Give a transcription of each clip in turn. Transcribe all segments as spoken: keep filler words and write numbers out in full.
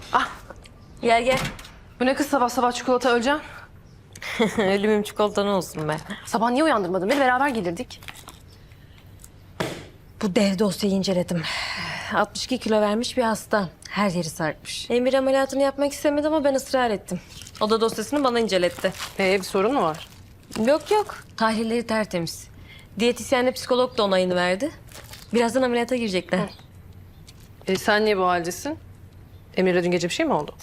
Ah, Gel gel. bu ne kız sabah sabah çikolata öleceğim. Ölümüm çikolatan olsun be. Sabah niye uyandırmadın beni? Beraber gelirdik. Bu dev dosyayı inceledim. altmış iki kilo vermiş bir hasta. Her yeri sarkmış. Emir ameliyatını yapmak istemedi ama ben ısrar ettim. O da dosyasını bana inceletti. Ee, bir sorun mu var? Yok yok. Tahlilleri tertemiz. Diyetisyenle psikolog da onayını verdi. Birazdan ameliyata girecekler. E, sen niye bu haldesin? Emir'le dün gece bir şey mi oldu?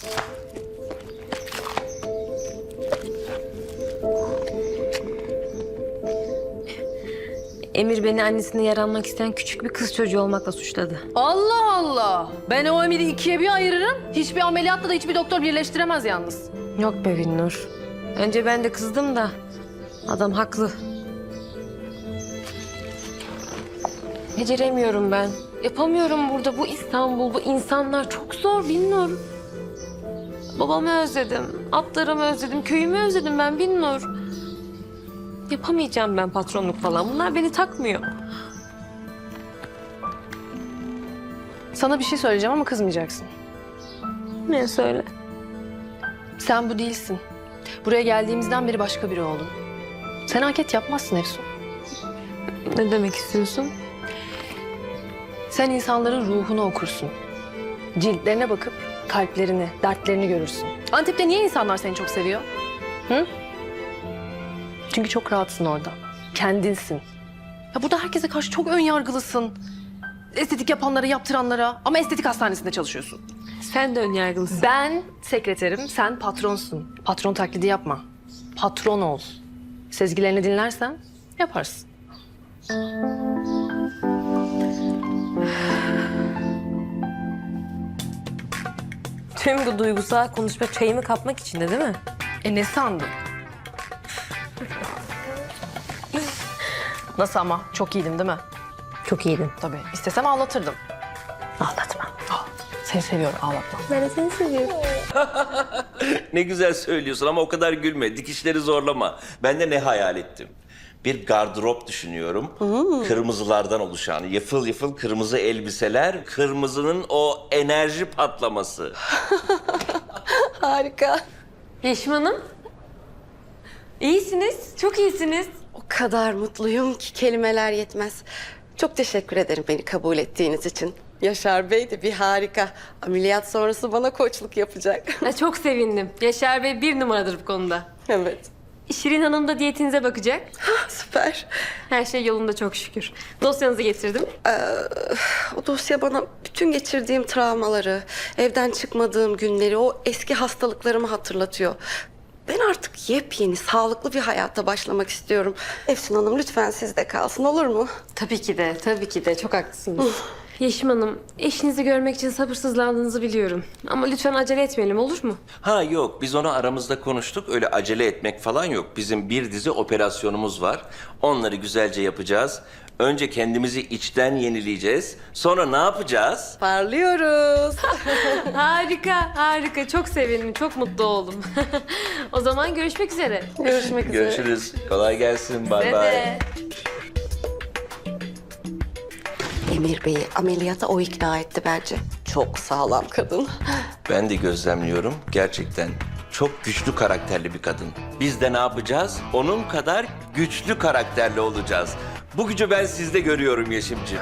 Emir beni annesine yaranmak isteyen küçük bir kız çocuğu olmakla suçladı. Allah Allah! Ben o Emir'i ikiye bir ayırırım. Hiçbir ameliyatla da hiçbir doktor birleştiremez yalnız. Yok be Binnur. Önce ben de kızdım da adam haklı. Beceremiyorum ben. Yapamıyorum burada. Bu İstanbul, bu insanlar çok zor Binnur. Babamı özledim, atlarımı özledim, köyümü özledim ben Binnur. Yapamayacağım ben patronluk falan. Bunlar beni takmıyor. Sana bir şey söyleyeceğim ama kızmayacaksın. Ne söyle? Sen bu değilsin. Buraya geldiğimizden beri başka biri oldun. Sen anket yapmazsın Efsun. Ne demek istiyorsun? Sen insanların ruhunu okursun. Ciltlerine bakıp kalplerini, dertlerini görürsün. Antep'te niye insanlar seni çok seviyor? Hı? Çünkü çok rahatsın orada. Kendinsin. Ya burada herkese karşı çok ön yargılısın. Estetik yapanlara, yaptıranlara. Ama estetik hastanesinde çalışıyorsun. Sen de önyargılısın. Ben sekreterim, sen patronsun. Patron taklidi yapma. Patron ol. Sezgilerini dinlersen yaparsın. Tüm bu duygusal konuşma çayımı kapmak için de değil mi? E ne sandın? Nasıl ama? Çok iyiydim değil mi? Çok iyiydin. Tabii. İstesem ağlatırdım. Ağlatma. Ah, seni seviyorum, ağlatma. Ben de seni seviyorum. Ne güzel söylüyorsun ama o kadar gülme. Dikişleri zorlama. Ben de ne hayal ettim? Bir gardırop düşünüyorum. Kırmızılardan oluşan, yıfıl yıfıl kırmızı elbiseler, kırmızının o enerji patlaması. Harika. Yeşim Hanım. İyisiniz, çok iyisiniz. O kadar mutluyum ki kelimeler yetmez. Çok teşekkür ederim beni kabul ettiğiniz için. Yaşar Bey de bir harika. Ameliyat sonrası bana koçluk yapacak. Ha, çok sevindim. Yaşar Bey bir numaradır bu konuda. Evet. Şirin Hanım da diyetinize bakacak. Süper. Her şey yolunda çok şükür. Dosyanızı getirdim. O dosya bana bütün geçirdiğim travmaları, evden çıkmadığım günleri, o eski hastalıklarımı hatırlatıyor. Ben artık yepyeni, sağlıklı bir hayata başlamak istiyorum. Efsun Hanım lütfen sizde kalsın, olur mu? Tabii ki de, tabii ki de. Çok haklısınız. Yeşim Hanım, eşinizi görmek için sabırsızlandığınızı biliyorum. Ama lütfen acele etmeyelim, olur mu? Ha yok, biz onu aramızda konuştuk. Öyle acele etmek falan yok. Bizim bir dizi operasyonumuz var. Onları güzelce yapacağız. Önce kendimizi içten yenileyeceğiz. Sonra ne yapacağız? Parlıyoruz. Harika, harika. Çok sevindim, çok mutlu oldum. O zaman görüşmek üzere. Görüşmek üzere. Görüşürüz. Kolay gelsin. Bay Size bay. de. Emir Bey'i ameliyata o ikna etti bence. Çok sağlam kadın. Ben de gözlemliyorum. Gerçekten çok güçlü karakterli bir kadın. Biz de ne yapacağız? Onun kadar güçlü karakterli olacağız. Bu gücü ben sizde görüyorum Yeşimciğim.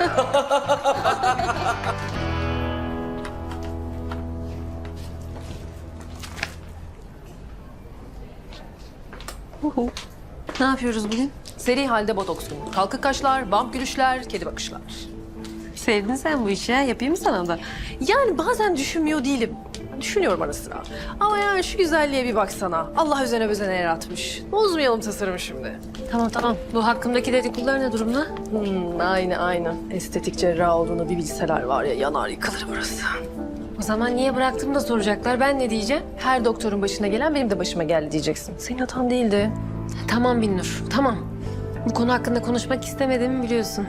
Ne yapıyoruz bugün? Seri halde botoks günü. Kalkık kaşlar, bump gülüşler, kedi bakışlar. Sevdin sen bu işi ha? Yapayım mı sana da? Yani bazen düşünmüyor değilim. Düşünüyorum ara sıra. Ama yani şu güzelliğe bir baksana. Allah özene bezene yaratmış. Bozmayalım tasarımı şimdi. Tamam tamam. Bu hakkımdaki dedikodular ne durumda? Hmm, aynı aynı. Estetik cerrah olduğunu bir bilseler var ya, yanar yıkılır burası. O zaman niye bıraktım da soracaklar. Ben ne diyeceğim? Her doktorun başına gelen benim de başıma geldi diyeceksin. Senin hatan değildi. Tamam Binnur, tamam. Bu konu hakkında konuşmak istemediğimi biliyorsun.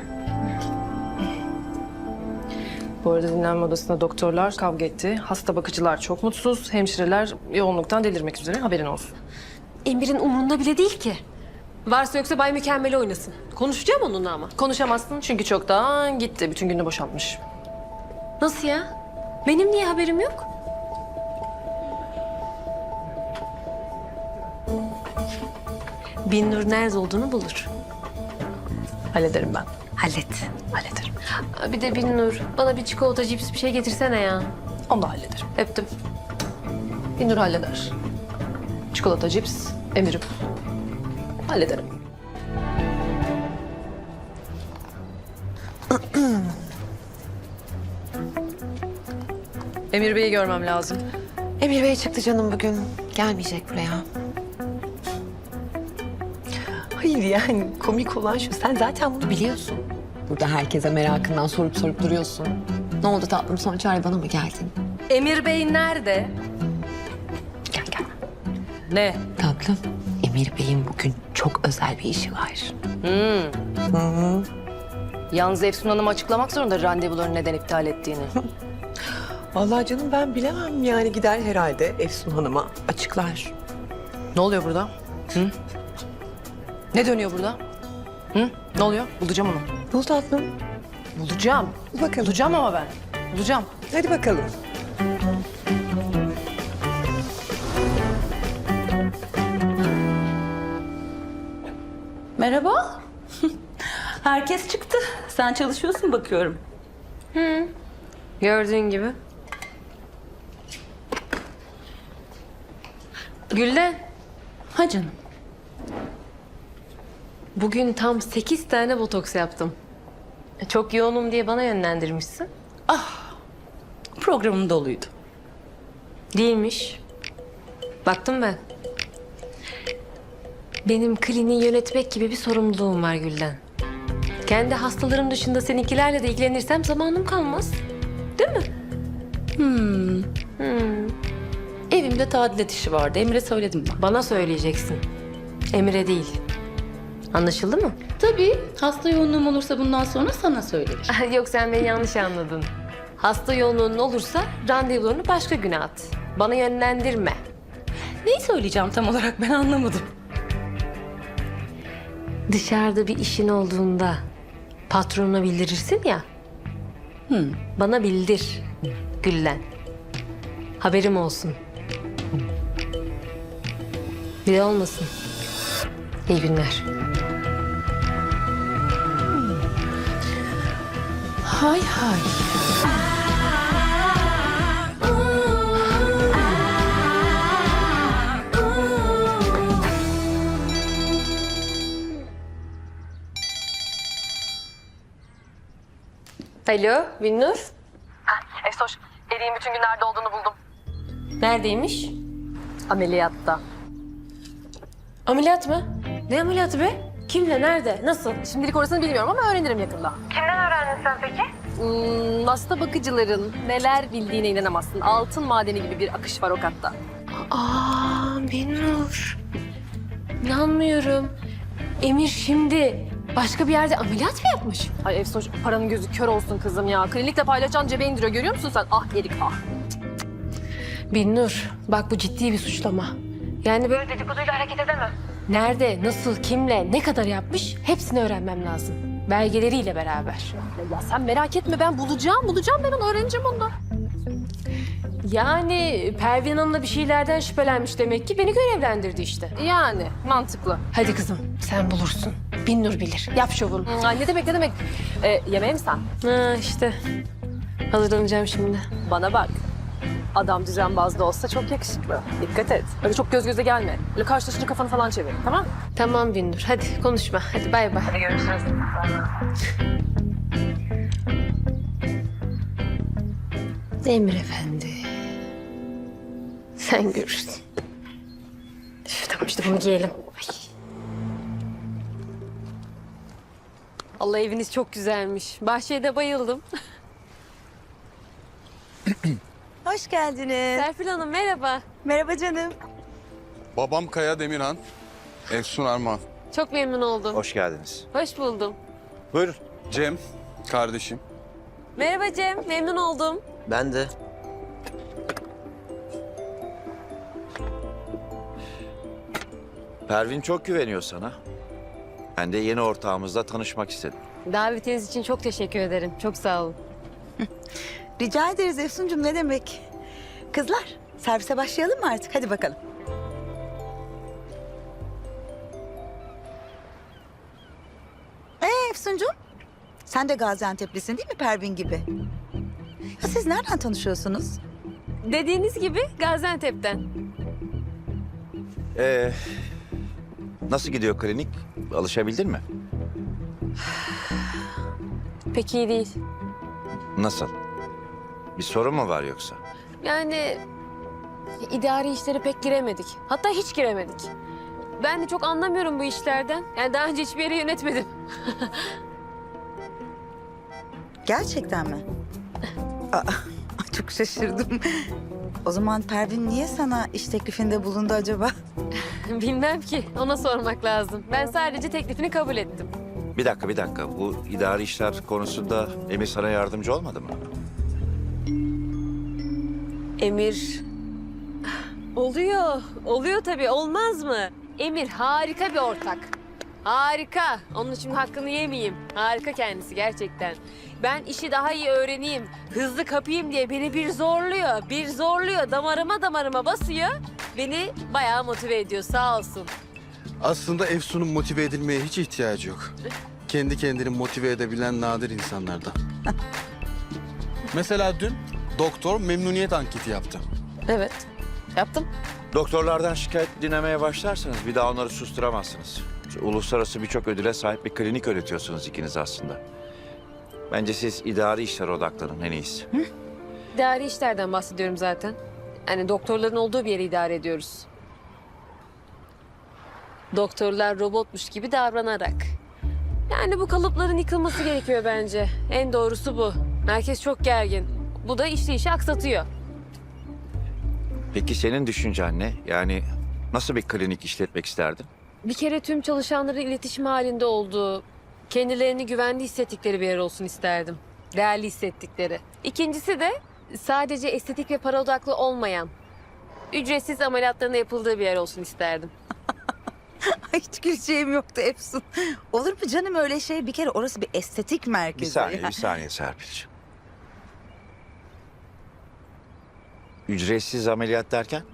Bu arada dinlenme odasında doktorlar kavga etti. Hasta bakıcılar çok mutsuz. Hemşireler yoğunluktan delirmek üzere, haberin olsun. Emir'in umurunda bile değil ki. Varsa yoksa Bay Mükemmel oynasın. Konuşacağım onunla ama. Konuşamazsın çünkü çoktan gitti. Bütün gününü boşaltmış. Nasıl ya? Benim niye haberim yok? Binnur nerede olduğunu bulur. Hallederim ben. Hallet. Hallederim. Aa, bir de Binnur bana bir çikolata, cips bir şey getirsene ya. Onu da hallederim. Öptüm. Binur halleder. Çikolata, cips, emirim. Hallederim. Emir Bey'i görmem lazım. Emir Bey çıktı canım bugün. Gelmeyecek buraya. Hayır yani komik olan şu. Sen zaten bunu biliyorsun. Burada herkese merakından sorup sorup duruyorsun. Ne oldu tatlım, son çare bana mı geldin? Emir Bey nerede? Gel gel. Ne? Tatlım, Emir Bey'in bugün çok özel bir işi var. Yalnız Efsun Hanım açıklamak zorunda randevularını neden iptal ettiğini. Vallahi canım ben bilemem yani gider herhalde Efsun Hanım'a açıklar. Ne oluyor burada? Hı? Ne dönüyor burada? Hı? Ne oluyor? Bulacağım onu. Bul tatlım. Bulacağım. Bakalım. Bulacağım ama ben. Bulacağım. Hadi bakalım. Merhaba. Herkes çıktı. Sen çalışıyorsun bakıyorum. Gördüğün gibi. Gülden, Ha canım. bugün tam sekiz tane botoks yaptım. Çok yoğunum diye bana yönlendirmişsin. Programım doluydu. Değilmiş. Baktım ben. Benim kliniği yönetmek gibi bir sorumluluğum var Gülden. Kendi hastalarım dışında seninkilerle de ilgilenirsem zamanım kalmaz. Değil mi? Evimde tadilat işi vardı. Emre söyledim ben. Bana söyleyeceksin. Emre değil. Anlaşıldı mı? Tabii. Hasta yoğunluğum olursa bundan sonra sana söylerim. Yok, sen beni yanlış anladın. Hasta yoğunluğun olursa randevularını başka güne at. Bana yönlendirme. Neyi söyleyeceğim tam olarak ben anlamadım. Dışarıda bir işin olduğunda patronuna bildirirsin ya. Bana bildir Güllen. Haberim olsun. Bir de olmasın. İyi günler. Hay hay. Alo, Binnur. Efsoş, Eri'nin bütün gün nerede olduğunu buldum. Neredeymiş? Ameliyatta. Ameliyat mı? Ne ameliyatı be? Kimle, nerede, nasıl? Şimdilik orasını bilmiyorum ama öğrenirim yakında. Kimden öğrendin sen peki? Hmm, hasta bakıcıların neler bildiğine inanamazsın. Altın madeni gibi bir akış var o katta. Aa, Binnur. İnanmıyorum. Emir şimdi başka bir yerde ameliyat mı yapmış? Ay Efsoş, paranın gözü kör olsun kızım ya. Klinikle paylaşan cebe indiriyor, görüyor musun sen? Ah Erik ah. Binnur, bak bu ciddi bir suçlama. Yani böyle dedikoduyla hareket edemem. Nerede, nasıl, kimle, ne kadar yapmış hepsini öğrenmem lazım. Belgeleriyle beraber. Ya sen merak etme, ben bulacağım, bulacağım ben onu, öğreneceğim ondan. Yani Pervin Hanım'la bir şeylerden şüphelenmiş demek ki, beni görevlendirdi işte. Yani mantıklı. Hadi kızım, sen bulursun. Binnur bilir. Yap şovunu. Hmm, Ay ne demek ne demek? Ee, yemeğe mi sen? Ha işte. Hazırlanacağım şimdi. Bana bak. Adam düzenbaz da olsa çok yakışıklı. Dikkat et. Öyle çok göz göze gelme. Öyle karşılaşınca kafanı falan çevir. Tamam mı? Tamam Binnur, hadi konuşma. Hadi bay bay. Hadi görüşürüz. Emir Efendi. Sen görürsün. Üf, tamam işte bunu giyelim. Ay. Allah, eviniz çok güzelmiş. Bahçeye de bayıldım. Hoş geldiniz. Serpil Hanım merhaba. Merhaba canım. Babam Kaya Demirhan, Efsun Armağan. Çok memnun oldum. Hoş geldiniz. Hoş buldum. Buyurun. Cem, kardeşim. Merhaba Cem, memnun oldum. Ben de. Pervin çok güveniyor sana. Ben de yeni ortağımızla tanışmak istedim. Davetiniz için çok teşekkür ederim. Çok sağ olun. Rica ederiz Efsuncuğum, ne demek? Kızlar, servise başlayalım mı artık? Hadi bakalım. Efsuncuğum, sen de Gaziantep'lisin değil mi Pervin gibi? Ya siz nereden tanışıyorsunuz? Dediğiniz gibi Gaziantep'ten. Ee, nasıl gidiyor klinik? Alışabildin mi? Pek iyi değil. Nasıl? Bir sorun mu var yoksa? Yani idari işlere pek giremedik. Hatta hiç giremedik. Ben de çok anlamıyorum bu işlerden. Yani daha önce hiçbir yeri yönetmedim. Gerçekten mi? Aa, çok şaşırdım. O zaman Pervin niye sana iş teklifinde bulundu acaba? Bilmem ki. Ona sormak lazım. Ben sadece teklifini kabul ettim. Bir dakika, bir dakika. Bu idari işler konusunda Emir sana yardımcı olmadı mı? Emir... Oluyor. Oluyor tabii. Olmaz mı? Emir harika bir ortak. Harika. Onun için hakkını yemeyeyim. Harika kendisi gerçekten. Ben işi daha iyi öğreneyim, hızlı kapayım diye beni bir zorluyor. Bir zorluyor. Damarıma damarıma basıyor. Beni bayağı motive ediyor. Sağ olsun. Aslında Efsun'un motive edilmeye hiç ihtiyacı yok. Kendi kendini motive edebilen nadir insanlardan. Mesela dün doktor memnuniyet anketi yaptı. Evet. Yaptım. Doktorlardan şikayet dinlemeye başlarsanız bir daha onları susturamazsınız. Uluslararası birçok ödüle sahip bir klinik yönetiyorsunuz ikiniz aslında. Bence siz idari işlere odaklanın en iyisi. İdari işlerden bahsediyorum zaten. Yani doktorların olduğu bir yeri idare ediyoruz. Doktorlar robotmuş gibi davranarak. Yani bu kalıpların yıkılması gerekiyor bence. En doğrusu bu. Herkes çok gergin. Bu da işleyişi aksatıyor. Peki senin düşüncen ne? Yani nasıl bir klinik işletmek isterdin? Bir kere tüm çalışanların iletişim halinde olduğu, kendilerini güvende hissettikleri bir yer olsun isterdim. Değerli hissettikleri. İkincisi de sadece estetik ve para odaklı olmayan, ücretsiz ameliyatların yapıldığı bir yer olsun isterdim. Ay, hiç güleceğim yoktu Efsun. Olur mu canım öyle şey? Bir kere orası bir estetik merkezi. Bir saniye, bir saniye Serpil'ciğim. Ücretsiz ameliyat derken?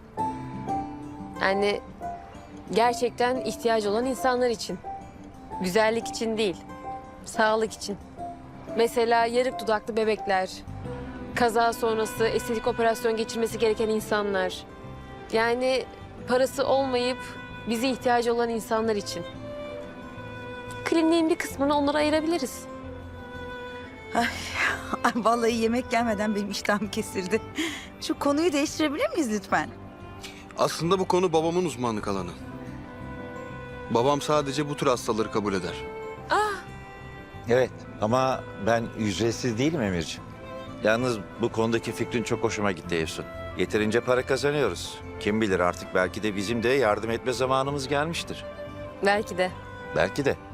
Yani gerçekten ihtiyacı olan insanlar için. Güzellik için değil, sağlık için. Mesela yarık dudaklı bebekler, kaza sonrası estetik operasyon geçirmesi gereken insanlar. Yani parası olmayıp bize ihtiyacı olan insanlar için. Kliniğin bir kısmını onlara ayırabiliriz. Ay, vallahi yemek gelmeden benim iştahım kesildi. Şu konuyu değiştirebilir miyiz lütfen? Aslında bu konu babamın uzmanlık alanı. Babam sadece bu tür hastaları kabul eder. Evet ama ben ücretsiz değilim Emirciğim. Yalnız bu konudaki fikrin çok hoşuma gitti Efsun. Yeterince para kazanıyoruz. Kim bilir artık belki de bizim de yardım etme zamanımız gelmiştir. Belki de. Belki de.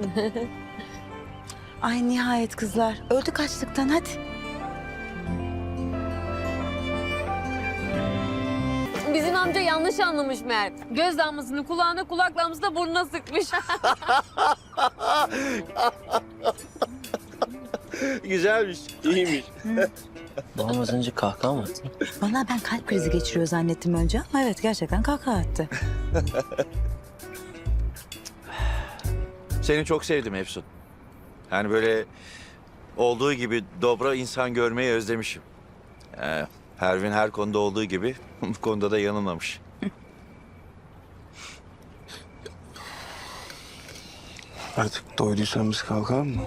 Ay nihayet kızlar. Öldük açlıktan hadi. Bizim amca yanlış anlamış meğer. Göz damlasını kulağına, kulak damlasını burnuna sıkmış. Güzelmiş, iyiymiş. Babam az önce kahkaha mı attı? Vallahi ben kalp krizi geçiriyor zannettim önce ama evet gerçekten kahkaha attı. Seni çok sevdim Efsun. Yani böyle olduğu gibi dobra insan görmeyi özlemişim. Ee, Pervin her konuda olduğu gibi bu konuda da yanılmamış. Artık doyduysan biz kalkalım mı?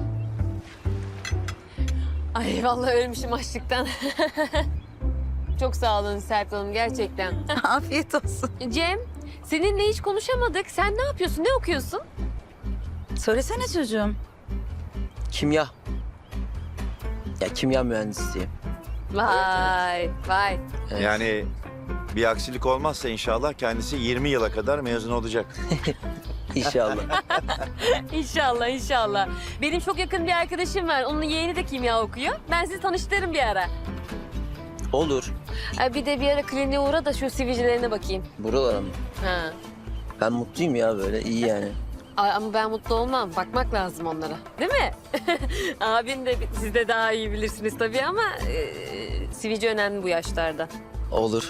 Ay vallahi ölmüşüm açlıktan. Çok sağ olun Serpil Hanım gerçekten. Afiyet olsun. Cem, seninle hiç konuşamadık. Sen ne yapıyorsun? Ne okuyorsun? Söylesene çocuğum. Kimya. Ya kimya mühendisiyim. Vay, vay. Evet. Yani bir aksilik olmazsa inşallah kendisi yirmi yıla kadar mezun olacak. İnşallah. İnşallah, inşallah. Benim çok yakın bir arkadaşım var. Onun yeğeni de kimya okuyor. Ben sizi tanıştırırım bir ara. Olur. Ay, bir de bir ara kliniğe uğra da şu sivilcelerine bakayım. Buralara mı? Ha. Ben mutluyum ya böyle iyi yani. Ay, ama ben mutlu olmam. Bakmak lazım onlara. Değil mi? Abin de siz de daha iyi bilirsiniz tabii ama e, sivilce önemli bu yaşlarda. Olur.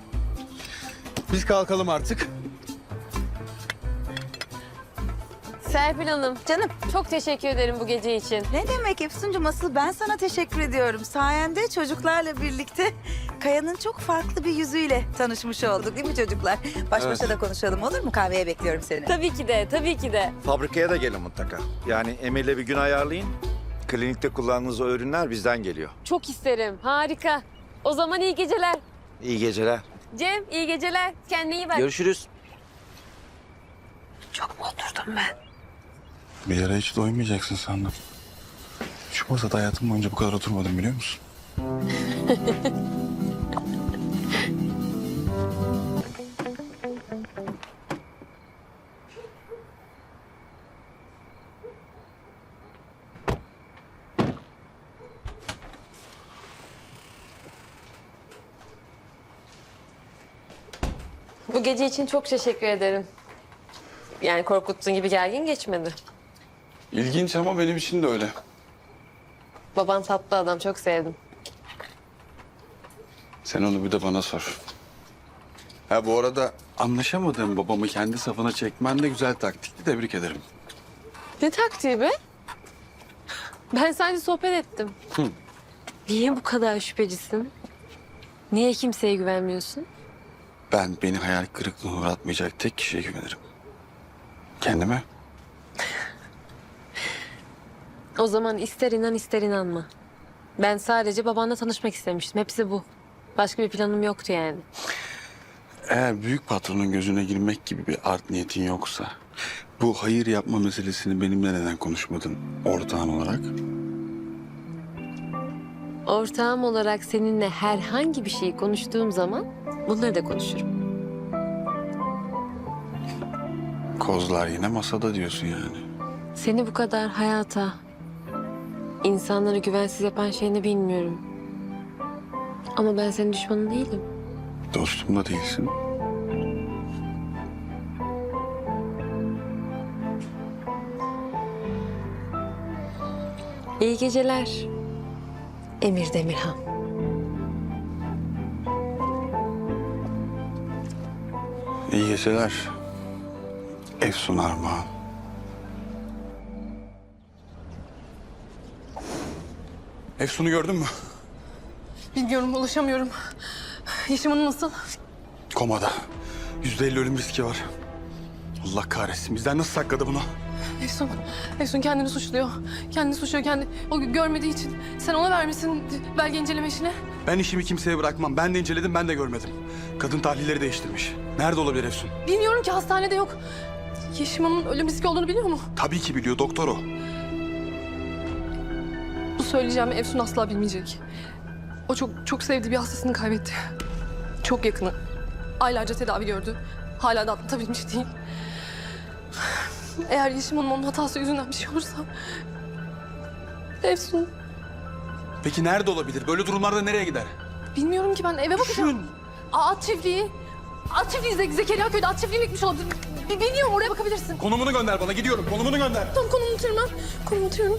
Biz kalkalım artık. Serpil Hanım, Canım. çok teşekkür ederim bu gece için. Ne demek Efsuncuğum, asıl ben sana teşekkür ediyorum. Sayende çocuklarla birlikte Kaya'nın çok farklı bir yüzüyle tanışmış olduk değil mi çocuklar? Baş başa da konuşalım olur mu? Kahveye bekliyorum seni. Tabii ki de, tabii ki de. Fabrikaya da gelin mutlaka. Yani Emir'le bir gün ayarlayın. Klinikte kullandığınız o ürünler bizden geliyor. Çok isterim, harika. O zaman iyi geceler. İyi geceler. Cem, iyi geceler. Kendine iyi bak. Görüşürüz. Çok mu oturdum ben? Bir ara hiç doymayacaksın sandım. Şu masada hayatım boyunca bu kadar oturmadım biliyor musun? Bu gece için çok teşekkür ederim. Yani korkuttuğun gibi gergin geçmedi. İlginç ama benim için de öyle. Baban tatlı adam, çok sevdim. Sen onu bir de bana sor. Ha bu arada anlaşamadığım babamı kendi safına çekmen de güzel taktikti. Tebrik ederim. Ne taktiği be? Ben sadece sohbet ettim. Hı. Niye bu kadar şüphecisin? Niye kimseye güvenmiyorsun? Ben beni hayal kırıklığına uğratmayacak tek kişiye güvenirim. Kendime. O zaman ister inan ister inanma. Ben sadece babanla tanışmak istemiştim. Hepsi bu. Başka bir planım yoktu yani. Eğer büyük patronun gözüne girmek gibi bir art niyetin yoksa... ...bu hayır yapma meselesini benimle neden konuşmadın ortağın olarak? Ortağım olarak seninle herhangi bir şey konuştuğum zaman bunları da konuşurum. Kozlar yine masada diyorsun yani. Seni bu kadar hayata, insanları güvensiz yapan şey ne bilmiyorum. Ama ben senin düşmanın değilim. Dostum da değilsin. İyi geceler. Emir Demirhan. İyi geceler. Efsun Armağan. Efsun'u gördün mü? Bilmiyorum, ulaşamıyorum. Yeşim Hanım nasıl? Komada. Yüzde elli ölüm riski var. Allah kahretsin. Bizden nasıl sakladı bunu? Efsun, Efsun kendini suçluyor. Kendini suçluyor, kendi. O görmediği için. Sen ona vermişsin belge inceleme işini. Ben işimi kimseye bırakmam. Ben de inceledim, ben de görmedim. Kadın tahlilleri değiştirmiş. Nerede olabilir Efsun? Bilmiyorum ki, hastanede yok. Yeşim Hanım'ın ölüm riski olduğunu biliyor mu? Tabii ki biliyor, doktor o. Bu söyleyeceğimi Efsun asla bilmeyecek. O çok çok sevdiği bir hastasını kaybetti. Çok yakını. Aylarca tedavi gördü. Hala da atlatabilmiş değil. Eğer Yeşim Hanım onun hatası yüzünden bir şey olursa... Efsun, Peki nerede olabilir? Böyle durumlarda nereye gider? bilmiyorum ki, ben eve bakacağım. Düşün. Aa, at çiftliği. At çiftliği, Ze Zekeriya köyde at çiftliği gitmiş olabilir. Bi- Bilmiyorum, oraya bakabilirsin. Konumunu gönder bana, gidiyorum. Konumunu gönder. Tamam, konumu unutuyorum ben. Konumu unutuyorum.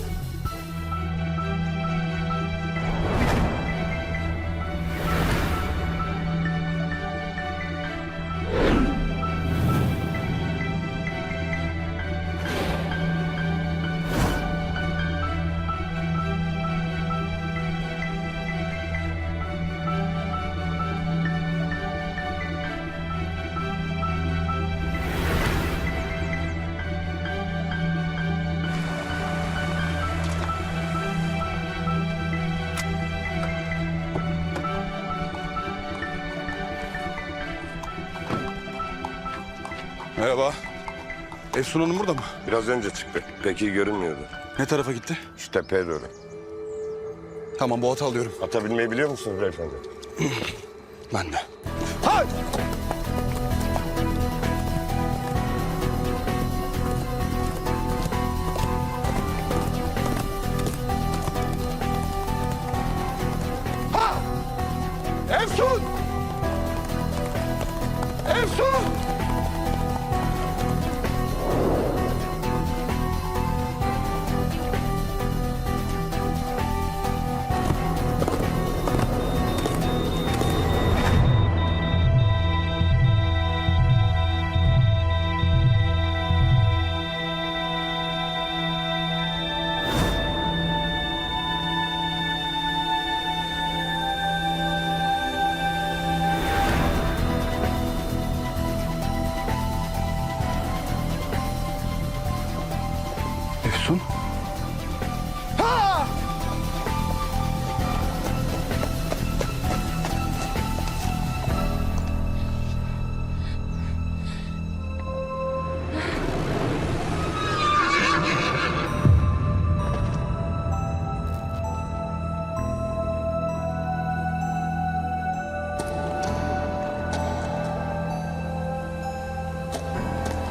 Merhaba. Efsun Hanım burada mı? Biraz önce çıktı. Pek iyi görünmüyordu. Ne tarafa gitti? Şu tepeye doğru. Tamam, bu atı alıyorum. Ata binmeyi biliyor musunuz beyefendi? Ben de. Efsun! Efsun!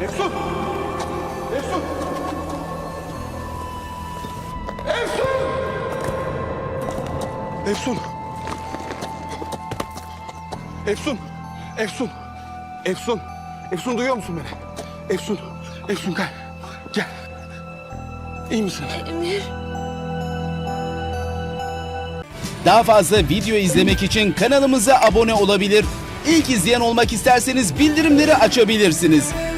Efsun! Efsun! Efsun! Efsun! Efsun! Efsun! Efsun! Efsun duyuyor musun beni? Efsun! Efsun gel. Gel. İyi misin? Daha fazla video izlemek için kanalımıza abone olabilir. İlk izleyen olmak isterseniz bildirimleri açabilirsiniz.